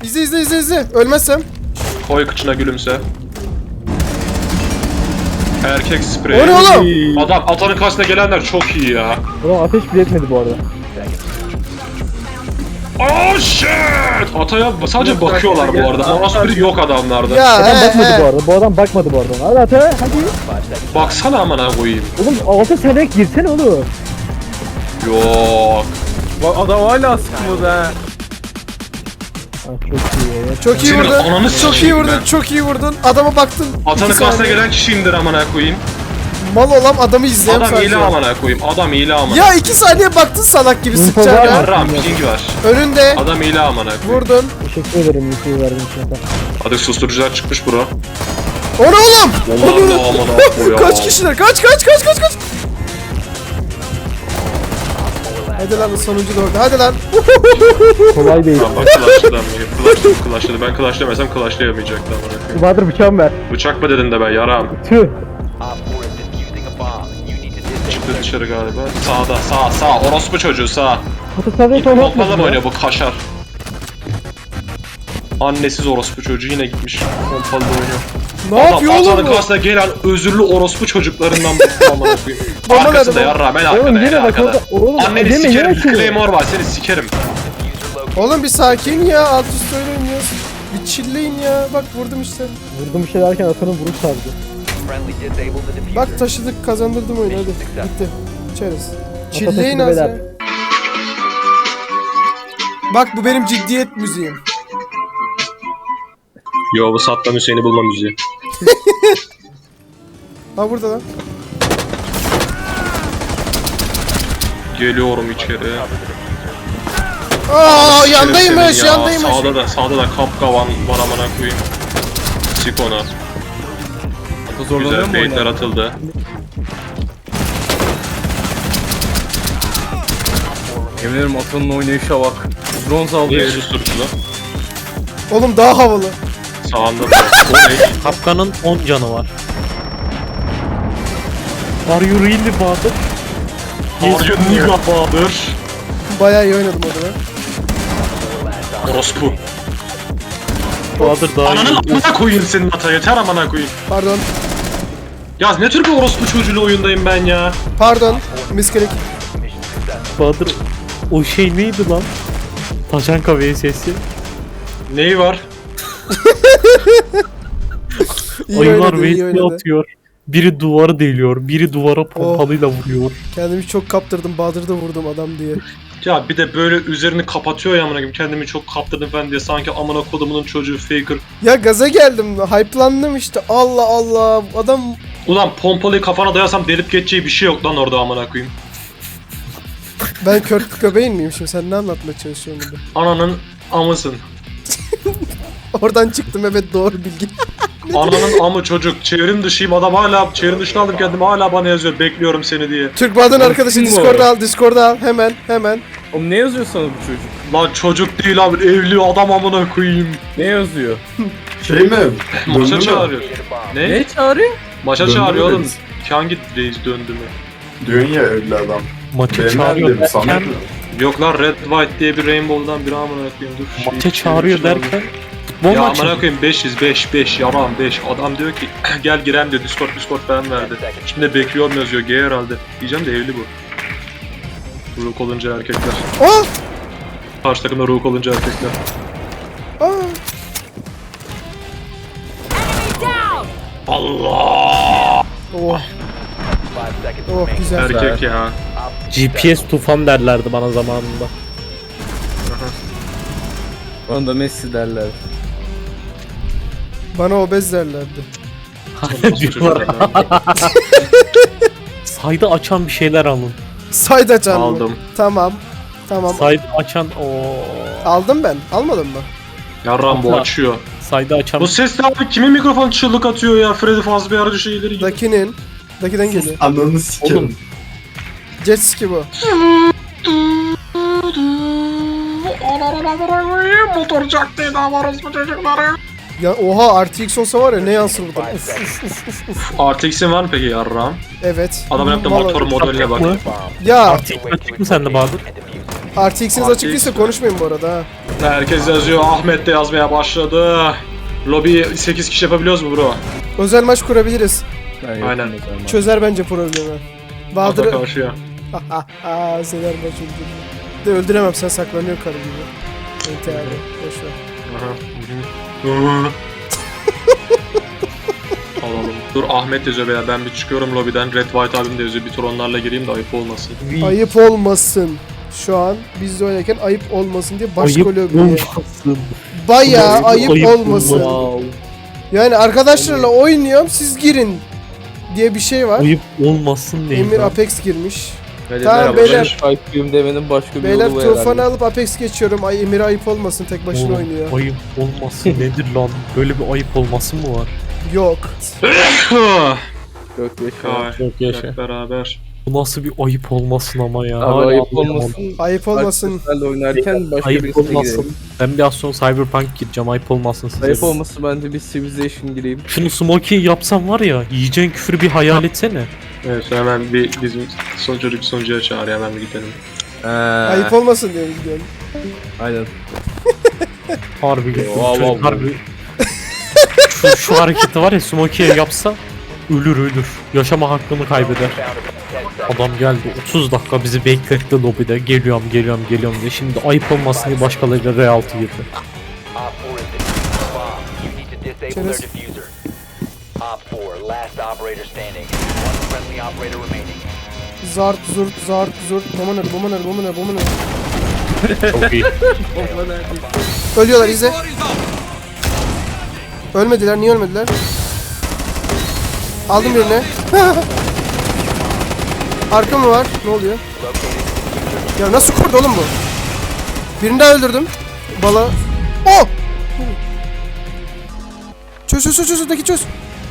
İzle. Ölmezsem. Koy kıçına gülümse. Erkek spreyi. O ne oğlum? Adam atanın karşısına gelenler çok iyi ya. Ulan ateş bile etmedi bu arada. Oh shit! Ataya sadece bakıyorlar bu arada. Mouse biri yok adamlarda. Ya Adam bakmadı bu he. arada. Bu adam bakmadı bu arada. Hadi ata hadi. Baksana amına koyayım. Oğlum altı sene girsene oğlum. Yok. Bak adam hala sıkmadı ha. Ah, çok iyi ya. Çok iyi Senin vurdun. ananı Çok iyi sikeyim vurdun. ben. Çok iyi vurdun. Adama baktın. Atanın 2 karşısına saniye. gelen kişi indir amına koyayım. Mal olan adamı izleyen Adam sadece. iyile amına koyayım. Adam iyile amına. Ya 2 saniye baktın salak gibi Info sıkacağına. var mı? Yarram ping var. Önünde. Adam iyile amına koyayım. Vurdun. Teşekkür ederim infoyu verdiğin için ata. Hadi susturucular çıkmış bro. O ne oğlum? Vallahi da amına koyayım. Kaç kişiler? Kaç. Hadi lan sonuncu da orada. Hadi lan. Kolay değil. Tamam bak clutchladı. Ben clutchlamesem clutchlayamayacaktı amına koyayım. Bahadır bıçağımı ver. Bıçak mı dedin de ben yaram. Tüh. Çıktı dışarı galiba. Sağ. Orospu çocuğu sağ. Ata sen de Pompalı mı oynuyor bu kaşar? Annesiz orospu çocuğu yine gitmiş. Pompalı oynuyor. Ne yapıyor Adam oğlum atanın bu? karşısına gelen özürlü orospu çocuklarından bıktım amına koyayım. Bana Arkasında nerede yarra ben Oğlum arkada yine en bak arkada. orada. Oğlum Anneni yeme, sikerim. yeme şunu. Claymore var seni sikerim. Oğlum bir sakin ya. Alt üst öyle oynuyoruz. Bir chillleyin ya. Bak vurdum işte. Vurdum bir şey derken atanın vuruş sardı. Bak taşıdık kazandırdım oyunu hadi. Bitti. İçeriz. Chilleyin taşıdı az ya. beyler. Bak bu benim ciddiyet müziğim. Yo bu Saddam Hüseyin'i bulma müziği. Ha burada lan. Geliyorum içeri. Aa Sikerim yandaymış seni ya. yandaymış. Sağda da kapkavan var amına koyayım. Sik ona. Ata zorlanıyor Güzel mu baitler oynar? atıldı. Yemin ederim Ata'nın oynayışa bak. Bronz aldı Niye herif. susturucular? Oğlum daha havalı. Sağında da. O ne? Kapkanın 10 canı var. Are you really Bahadır? Are you nigga Bahadır? Bayağı iyi oynadım orada ben. Orospu. Bahadır daha Ananın iyi. amına koyayım senin ata yeter amına koyayım. Pardon. Ya ne tür bir orospu çocuğuyla oyundayım ben ya. Pardon. Miskelik. Bahadır o şey neydi lan? Taşanka VS'si. Neyi var? İyi Ayılar oynadı, iyi VS oynadı. atıyor. Biri duvarı deliyor, biri duvara pompalıyla vuruyor. Kendimi çok kaptırdım. Bahadır'da vurdum adam diye. Ya bir de böyle üzerini kapatıyor ya amına koyayım. Kendimi çok kaptırdım ben diye sanki amına kodumunun çocuğu faker. Ya gaza geldim. Hype'landım işte. Allah Allah. Adam Ulan pompalıyı kafana dayasam delip geçeceği bir şey yok lan orada amına koyayım. ben kör köpeğin miyim şimdi? Sen ne anlatmaya çalışıyorsun burada? Ananın amısın. Oradan çıktım evet doğru bilgi. Ananın amı çocuk. Çevrim dışıyım adam hala çevrim dışına aldım kendimi hala bana yazıyor bekliyorum seni diye. Türk Bahadır'ın arkadaşı kim bu Discord'a arada? al. Discord'a al. Hemen. Oğlum ne yazıyor sana bu çocuk? Lan çocuk değil abi evli adam amına koyayım. Ne yazıyor? Şey mi? Maça Döndü mü? çağırıyor. Ne? Ne çağırıyor? Maça Döndü çağırıyor mü oğlum. reis? Hangi reis döndü mü? Diyorsun ya evli adam. Maça Ben çağırıyor dedim sana. derken, Yok lan Red White diye bir Rainbow'dan biri amına koyayım dur. maça çağırıyor derken futbol Ya maçı. amına koyayım 5 yaram 5 adam diyor ki gel girem diyor Discord ben verdi. Şimdi bekliyorum yazıyor G herhalde. Diyeceğim de evli bu. Rook olunca erkekler. Aa! Karşı takımda rook olunca erkekler. Aa! Allah! Oh. Oh güzel. Erkek ya. GPS tufan derlerdi bana zamanında. Bana da Messi derler. Bana obez derlerdi. Diyorlar. Sayda açan bir şeyler alın. Sayda canım. Aldım. Tamam. Sayda açan Aldım ben. Almadın mı? Yarram bu açıyor. sayda açan Bu ses de abi kimin mikrofonu çığlık atıyor ya? Freddy Fazbear'ı şeyleri gibi. Dakinin. Daki'den geliyor. Ananı sikerim. Oğlum. Jet ski bu. Motor caktaydı varız bu çocukları. Ya oha RTX olsa var ya ne yansır burada. RTX'in var mı peki yarram? Evet. Adam yaptı Vallahi- motor modeline bak. mı? Ya Artık açık mı sende Bahadır? RTX'iniz açık değilse konuşmayın bu arada ha. Herkes yazıyor. Ahmet de yazmaya başladı. Lobi 8 kişi yapabiliyoruz mu bro? Özel maç kurabiliriz. Aynen. Çözer bence problemi. Ata Bahadır'ı... karşıya. Sever maç öldürür. De öldüremem, sen saklanıyor karı gibi. Ente abi. Boşver. Aha. Hı hı. Alalım. Dur Ahmet yazıyor beyler, ben bir çıkıyorum lobiden. Red White abim de yazıyor, bir tur onlarla gireyim de ayıp olmasın. Ayıp olmasın. Şu an biz de oynarken ayıp olmasın diye başka Ayıp lobiye. olmasın. Bayağı ayıp olmasın. Wow. Yani arkadaşlarla oynuyorum, siz girin diye bir şey var. Ayıp olmasın değil. Emir lan. Apex girmiş. Hadi Tamam, merhaba, beyler. ben Skype'yim demenin başka bir Beyler yolu var tufanı herhalde. alıp Apex geçiyorum. Ay Emir ayıp olmasın, tek başına Oğlum, oynuyor. Ayıp olmasın nedir lan? Böyle bir ayıp olması mı var? Yok. Yok yaşa. Çok yaşa. Hep beraber. Bu nasıl bir ayıp olmasın ama ya. Abi Hala ayıp anlayamadım. olmasın. Ayıp olmasın. Arkadaşlarla oynarken başka Ayıp birisine olmasın. girelim. Ben biraz sonra Cyberpunk gireceğim. Ayıp olmasın size. Ayıp olmasın, ben de bir Civilization gireyim. Şunu Smokey'i yapsam var ya, yiyeceğin küfürü bir hayal etsene. Evet hemen bir bizim çocuk sunucuya çağır, hemen bir gidelim. Ayıp olmasın diye gidiyorum. Aynen. Harbi Wow, çocuk wow, harbi. şu hareketi var ya, Smokey'e yapsa ölür. Yaşama hakkını kaybeder. Adam geldi 30 dakika bizi bekletti lobide. Geliyorum diye. Şimdi ayıp olmasın diye başkalarıyla reality girdi. Çerez. Zart zurt. Bomaner. Çok iyi. Ölüyorlar, izle. Ölmediler, niye ölmediler? Aldım birini. Arka mı var? Ne oluyor? Ya nasıl kurdu oğlum bu? Birini daha öldürdüm. Bala. Oh! Çöz. Öteki çöz.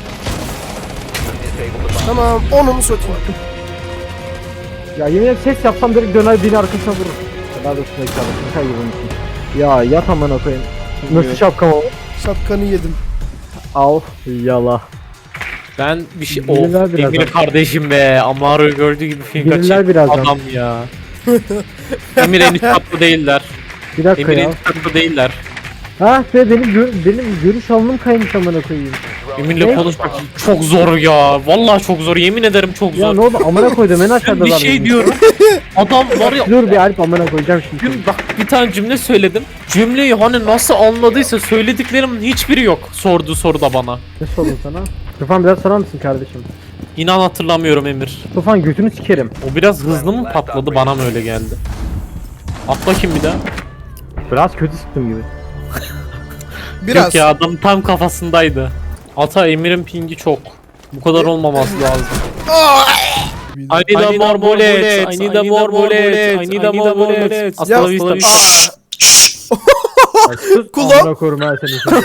Tamam, onu mu satayım? Ya yemin ederim ses yapsam direkt döner beni arkasına vurur. Daha da üstüne kalır. Ne kadar yiyormuşsun. Ya yat amına koyayım. Nasıl şapkam o? Şapkanı yedim. Al yala. Ben bir şey... Bilirler Oh, birazdan. Emir kardeşim be. Amaro'yu gördüğü gibi film Bilirler kaçırdı. birazdan. Adam ya. Emir en üst katlı değiller. Bir dakika Emir en ya. üst katlı değiller. Ha be benim görüş alnım kaymış amına koyayım. Emir'le Ne? konuşmak çok zor ya. Vallahi çok zor. Yemin ederim çok Ya zor. ne oldu amına koydum en Ben aşağıda bir şey diyorum. Adam var ya. Dur bir Alp amına koyacağım şimdi. Bak bir tane cümle söyledim. Cümleyi hani nasıl anladıysa söylediklerimin hiçbiri yok. Sorduğu soruda bana. Ne sordum sana? Tufan biraz sorar mısın kardeşim? İnan hatırlamıyorum Emir. Tufan götünü sikerim. O biraz hızlı mı patladı, bana mı öyle geldi? Atla kim bir daha? Biraz kötü sıktım gibi. Biraz. Yok ya, adam tam kafasındaydı. Ata Emir'in pingi çok. Bu kadar olmaması lazım. I need a more bullets. I need a more bullets. I need a more bullets. Hasta la vista. Kulağım. Amına koyayım ha seni.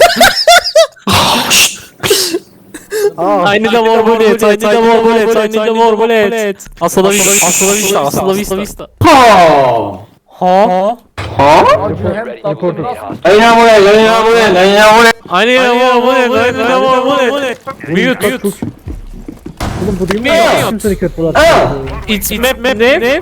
I need a more bullets. I need a more bullets. I need a more bullets. Hasta la vista. Hasta la vista. Hasta la vista. Ha? Reporter. I need a more bullets. I need a more bullets. Mute. Oğlum bu değil mi? Ne? Kim seni kötüler? It's map ne?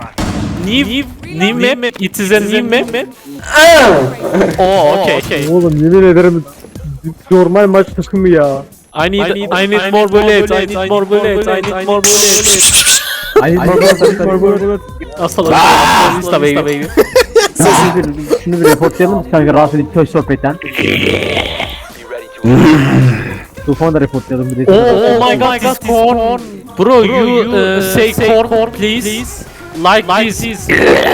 New map. It is a new map. Oh, okay. Oğlum yemin ederim normal maç takımı ya. I need more bullets. I need more bullets. I need more bullets. Ay normal. Hasta la vista baby. Şunu bir reportlayalım kanka rahatsız edip köy sohbetten. Tufanı da reportlayalım bir de. Oh my god, this corn. Bro, you say corn please. Like this.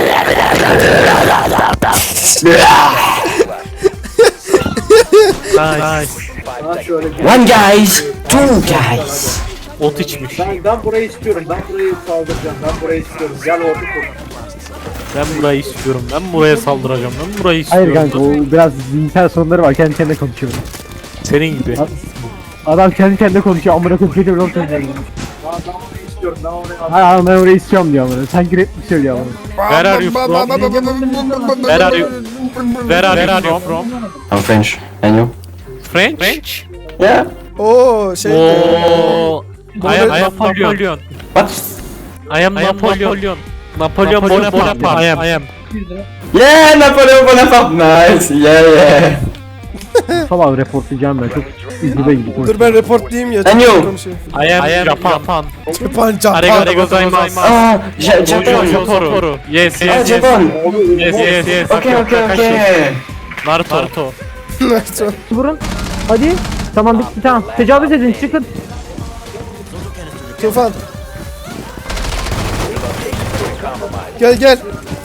Nice. One guys, two guys. Ot içmiş. Ben burayı istiyorum. Ben burayı saldıracağım. Ben burayı istiyorum. Gel ordu kur. Ben burayı istiyorum. Ben buraya saldıracağım. Ben burayı Hayır istiyorum. kanka o biraz zihinsel sorunları var kendi kendine konuşuyor. Senin gibi. Adam kendi kendine konuşuyor amına koyayım geliyor lan söylüyor. Ben orayı istiyorum. Ben orayı Hayır ben orayı istiyorum diyor amına. Sanki rap mi söylüyor amına. Where are you from? Where are you from? I'm French. And you? French? Yeah. Oo şey. Oh, I am Napoleon. What? I am Napoleon. Napoleon Bonaparte. I am. 200 lira. Yeah, Napoleon Bonaparte, nice. Yeah. Sabah reportlayacağım ben. Çok üzübe gidiyorum. Dur ben reportlayayım ya. Ben yok. Konuşayım. I am Japan. Japan. Arigato gozaimasu. Ah, Japon. Japon. Yes Ah, yes yes. Japon. Yes. Okay. Naruto. Vurun. Hadi. Tamam bitti tamam. Tecavüz edin çıkın. Tufan. Gel.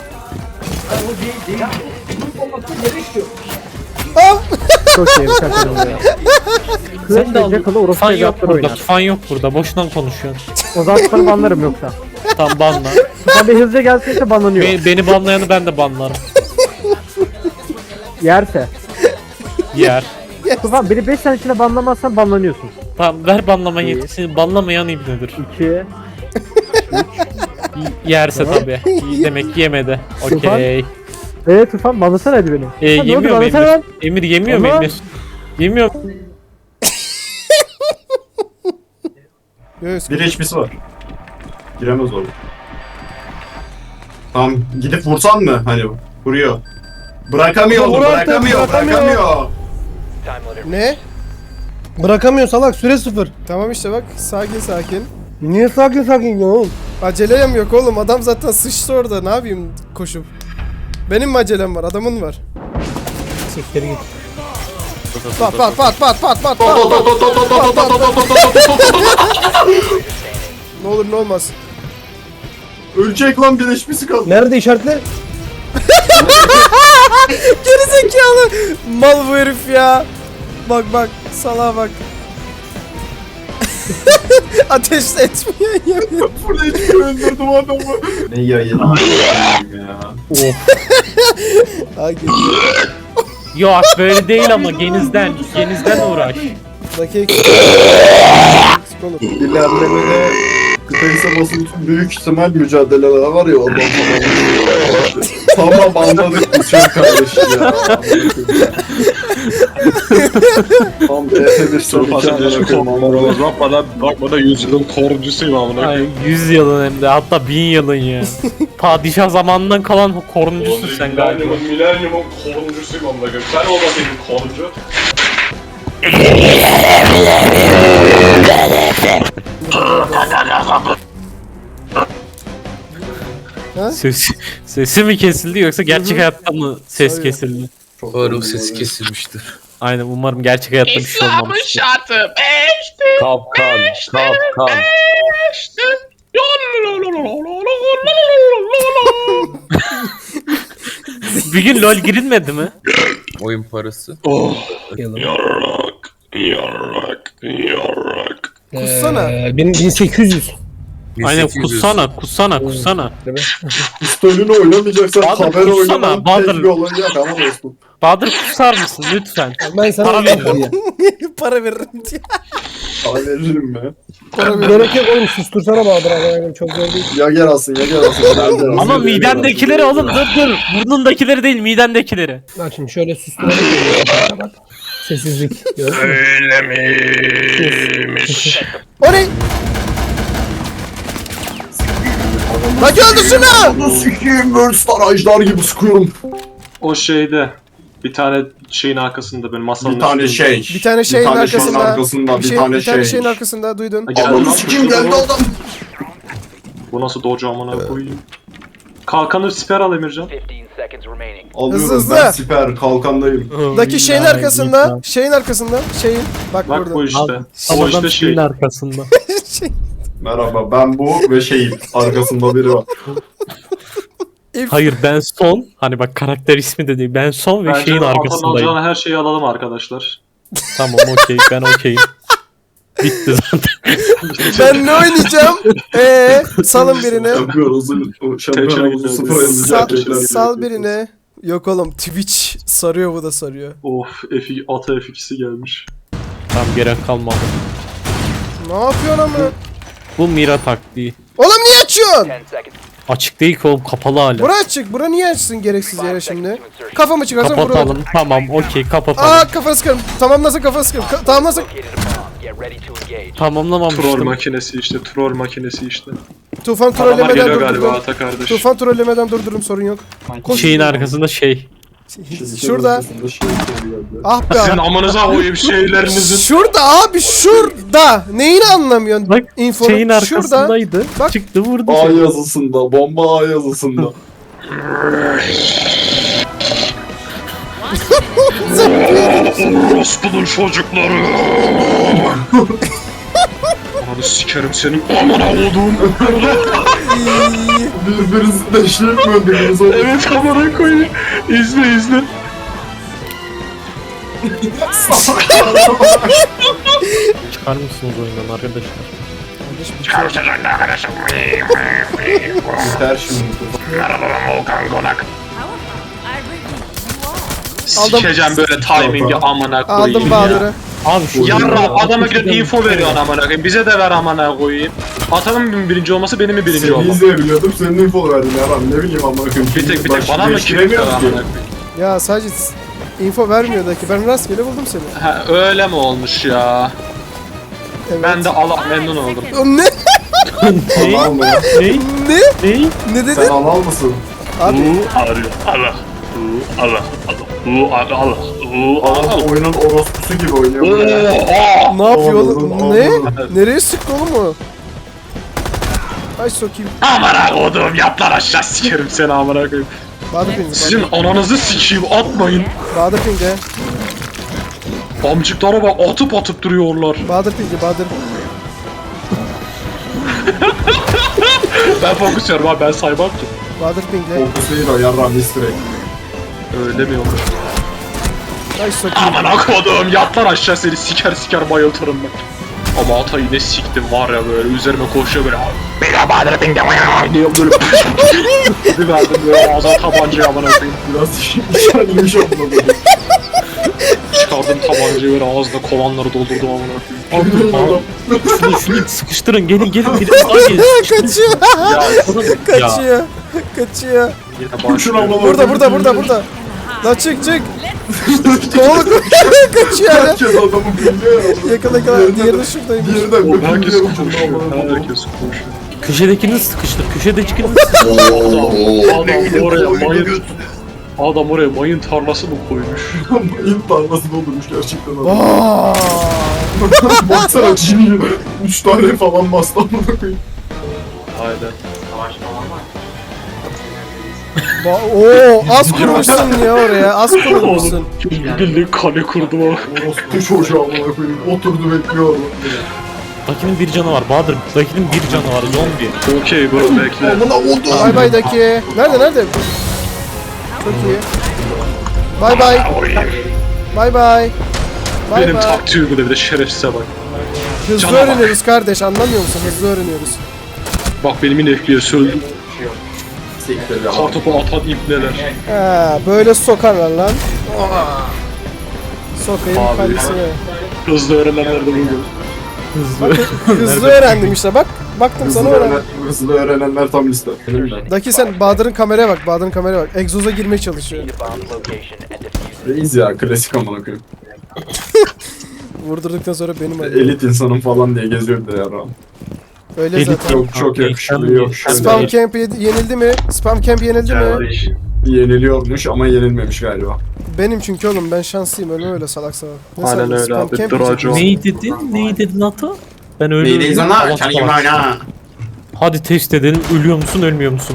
Al. Çok iyi bir şaka ya. Sen de al. Jackal'ı orası Tufan yok evlatları burada. oynar. Tufan yok burada. Boşuna konuşuyorsun. O zaman tutanı banlarım yoksa. Tam banla. Tufan bir hızlıca gelseyse banlanıyor. Beni banlayanı ben de banlarım. Yerse. Yer. Tufan beni 5 sene içinde banlamazsan banlanıyorsun. Tamam ver banlama yetkisini. Banlamayan ibnedir. 2. Yerse tabi. Demek ki yemedi. Tufan. Okey. Tufan banlasana hadi beni. Tufan, ne oldu, Yemiyor mu banlasana Emir? lan. Emir yemiyor mu Ama- Emir? Yemiyor. Göğüs. Bir HP'si var. Giremez orada. Tamam gidip vursan mı? Hani vuruyor. Bırakamıyor onu, Vur artık, bırakamıyor. Ne? Bırakamıyor salak, süre 0. Tamam işte bak, sakin. Niye sakin ya oğlum? Acelem yok oğlum, adam zaten sıçtı orada, ne yapayım koşup? Benim mi acelem var, adamın var. Siktir git. Pat. Ne olur ne olmaz. Ölecek lan, bir HP'si kaldı. Nerede işaretle? Gerizekalı. Mal bu herif ya. Bak salağa bak. Ateş etmiyor yemin. Burada hiç öldürdüm adamı. Ne yayın ya. Ha geliyor. Yok böyle değil ama genizden uğraş. Dakika. Olur. İlerlemede kıtayı sabasının büyük ihtimal mücadeleler var ya, ondan sonra tamam anladık biz çok kardeş ya. Tam F1 Bakmadan 100 yılın koruncusuyum amına. Ay 100 yılın hem de hatta 1000 yılın ya. Padişah zamanından kalan koruncusun sen galiba. Milenyumun koruncusuyum amına. Sen olmasaydın koruncu. Sesi mi kesildi yoksa gerçek hayatta mı ses Tabii. kesildi? Umarım sesi kesilmiştir. Aynen umarım gerçek hayatta bir şey olmamıştır. Kapkan. Bir gün LoL girilmedi mi? Oyun parası. Yarrak. Kussana. 1800. Aynen 1800. kussana. Pistolünü oynamayacaksan Bahadır, haber kutsana, oynamanın Bahadır. tek bir olacak ama dostum. Bahadır kusar mısın lütfen? Ben sana Para veririm. Para veririm diye. Sana veririm be. Gerek yok oğlum, sustursana Bahadır abi. Çok zor değil. Ya gel alsın. Ama midendekileri oğlum dur. Burnundakileri değil midendekileri. Bak şimdi şöyle susturalım. Bak. Sessizlik. Gördün mü? Öyle miymiş? O ne? Lan öldür şunu! Bunu sikiyim, Worldstar ajdar gibi sıkıyorum. O şeyde bir tane şeyin arkasında böyle masanın Bir tane üstünde. şey. Bir tane şeyin arkasında. arkasında. Bir tane bir tane şey. şeyin arkasında duydun. Ha, geldi Ananı lan, sikiyim, şurada geldi bu. adam. Bu nasıl dojo amına koyayım? Kalkanı siper al Emircan. Alıyorum Hızlı. ben siper kalkandayım. Daki şeyin arkasında. Şeyin. Bak Bak burada. bu işte. O Adam işte şey. şeyin arkasında. Şey. Merhaba, ben bu ve şeyim. Arkasında biri var. Hayır ben son. Hani bak karakter ismi de değil. Ben son ve Bence şeyin Atan'ın arkasındayım. alacağını her şeyi alalım arkadaşlar. Tamam okey ben okeyim. Bitti zaten. Ben ne oynayacağım? Salın birini. Şampiyonumuzu sıfır yazacak. Sal birini. Yok oğlum Twitch sarıyor, bu da sarıyor. Of ata F2'si gelmiş. Tam gerek kalmadı. Ne yapıyorsun ama? Bu Mira taktiği. Oğlum niye açıyorsun? Açık değil ki oğlum kapalı hala. Bura açık. Bura niye açsın gereksiz yere şimdi? Kafamı çıkarsam vurur. Kapatalım tamam okey kapatalım. Aa kafası sıkarım. Tamamlasın kafası sıkarım. Tamamlasın. Troll Tamamlamamıştım. makinesi işte. Tufan Adamlar trollemeden geliyor galiba durdurdum. Ata kardeş. Tufan trollemeden durdururum, sorun yok. Koş. Şeyin arkasında şey. Şurada. Ah be Sizin abi. amanıza koyayım şeylerinizin. Şurada abi, şurada. Neyini anlamıyorsun? Bak İnfonun şeyin şurada. arkasındaydı. Bak. Çıktı vurdu. A seni. yazısında, bomba A yazısında. Orospu'nun çocukları. Ananı sikerim senin amına koduğum. Birbirinizi deşleyip mi öldürdünüz oğlum? Evet amına koyayım. İzle. Çıkar mısınız oyundan arkadaşlar? Biter şimdi. Sikeceğim böyle timingi amına koyayım. Aldım Bahadır'ı. Abi şu Yarra adama gidip info veriyor amına koyayım. Bize de ver amına koyayım. Atanın mı birinci olması benim mi birinci Seni olmam? izleyebiliyordum, senin info verdin ya ben ne bileyim amına koyayım. Bir tek Başka bana mı değiştiremiyoruz kirliyor amına ki. koyayım? Ya sadece info vermiyordu ki. Ben rastgele buldum seni. Ha öyle mi olmuş ya? Evet. Ben de Allah memnun oldum. O ne? ne? Anal mı ya? Ne? Ne? Ne? Ne dedin? Sen anal mısın? Abi. Anal oyunun orospusu gibi oynuyor. bu ya. Ne yapıyor oğlum? Anladım, Ne? anladım. Nereye sıktı oğlum o? Ay sokayım. Amına koduğum yat lan aşağı sikerim seni amına koyayım. Bahadır pingi. Sizin ananızı sikeyim atmayın. Bahadır pingi. Amcıklara bak atıp duruyorlar. Bahadır pingi. Bahadır. Ben fokus yiyorum abi ben saymam ki. Bahadır pingi. Fokus değil o yarram mistirek. Öyle mi olur? Ay sokayım. Amına koduğum yat lan aşağı seni siker bayıltırım ben. Ama Atay'ı ne siktim var ya böyle üzerime koşuyor böyle. Beni Bahadır Bing'de diye böyle. Bir verdim böyle ağzına tabancayı amına koyayım. Biraz işaretlemiş olmalı. Çıkardım tabancayı böyle ağzına kovanları doldurdum amına koyayım. Şunu sıkıştırın gelin. Daha gelin. Kaçıyor. Ya Kaçıyor. Kaçıyor. yine Şuna başlıyor. Burada. Lan çık. Kovalı kaçıyor hala. Herkes adamı biliyor ya. Yakala. Diğeri de şuradaymış. Diğeri de Oğlum herkes biliyor. konuşuyor. Herkes konuşuyor. Köşedekini sıkıştır. Köşedekini Adam oraya mayın tarlası mı koymuş? İlk tarlasını olurmuş gerçekten adam. Aa! Baksana cini 3 tane falan bastı amına koyayım. Aynen. Oo, az kurmuşsun ya oraya. Az kurmuşsun. Bildiğin kale kurdu o. Orospu çocuğu amına koyayım. Oturdu bekliyor orada. Dakinin bir canı var Bahadır. Dakinin bir canı var zombi. Okey bro bekle. Amına oldu. Bay bay daki. Nerede? Çok iyi. Bay bay. Bay bay. Bay Benim bay. taktiğimi de bir de şerefsize bak. Hızlı Cana bak. öğreniyoruz kardeş, anlamıyor musun? Hızlı öğreniyoruz. Bak benim yine FPS öldü. Siktir ya. Kartopu atan ipneler. Ha, böyle sokarlar lan. Sokayım Abi. kalesine. Hızlı öğrenenler de buydu. Bak hızlı öğrendim işte bak. Baktım sana öğrendim. Hızlı öğrenenler tam liste. Daki sen Bahadır'ın kameraya bak. Bahadır'ın kameraya bak. Egzoza girmeye çalışıyor. Reis ya klasik amına koyayım. Vurdurduktan sonra benim adım. Elit insanım falan diye geziyordu ya Ram. Öyle Elit zaten. Yok çok yakışıklı yok şöyle. Spam camp yenildi mi? Spam camp yenildi mi? Yeniliyormuş ama yenilmemiş galiba. Benim çünkü oğlum ben şanslıyım öyle salak salak. Ne Aynen sandın? öyle Spam abi, camp Draco. yiyeceksin. Neyi dedin Ata? Ben öyle Neydeyiz Allah ona? Çan gibi Allah. oyna. Hadi test edelim. Ölüyor musun ölmüyor musun?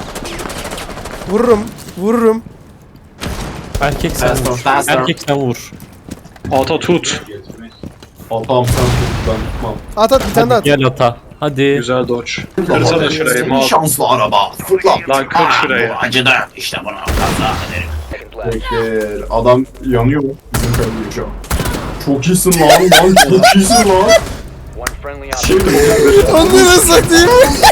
Vururum. Erkek sen vur. Fast. Erkek sen vur. Ata tut. Atam sen tut ben tutmam. At bir tane daha Hadi at. gel Ata. Hadi. Güzel dodge. Kırsana şurayı mal. Şanslı araba. Fırla. Lan kır şurayı. Bu acıdı. İşte buna kaza ederim. Bekler. Adam yanıyor mu? Bizim kalıyor şu an. Çok iyisin lan çok iyisin lan. Şimdi Onu satayım.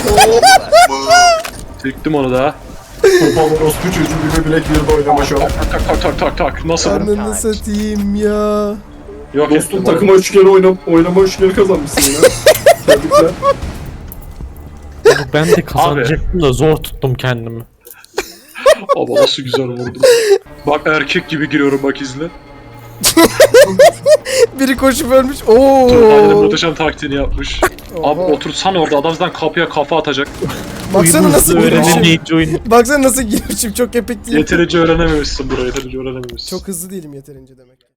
Çektim onu da. Topal orospu çocuğu gibi Black Beard'da oynama şu an. Tak. Nasıl bu? Ananı satayım ya. Yok Dostum ettim. takıma 3 kere oynama 3 kere kazanmışsın ya. Tebrikler. Ben de kazanacaktım da zor tuttum kendimi. Ama nasıl güzel vurdum. Bak erkek gibi giriyorum bak izle. Biri koşup ölmüş. Turbay'ın Oo. muhteşem taktiğini yapmış. Abi Oha. otursan orada adam zaten kapıya kafa atacak. Baksana nasıl Öğrenin girmişim. neyince oyunu. Baksana nasıl girmişim. Çok epik değil. Yeterince öğrenememişsin burayı, yeterince öğrenememişsin. Çok hızlı değilim yeterince demek.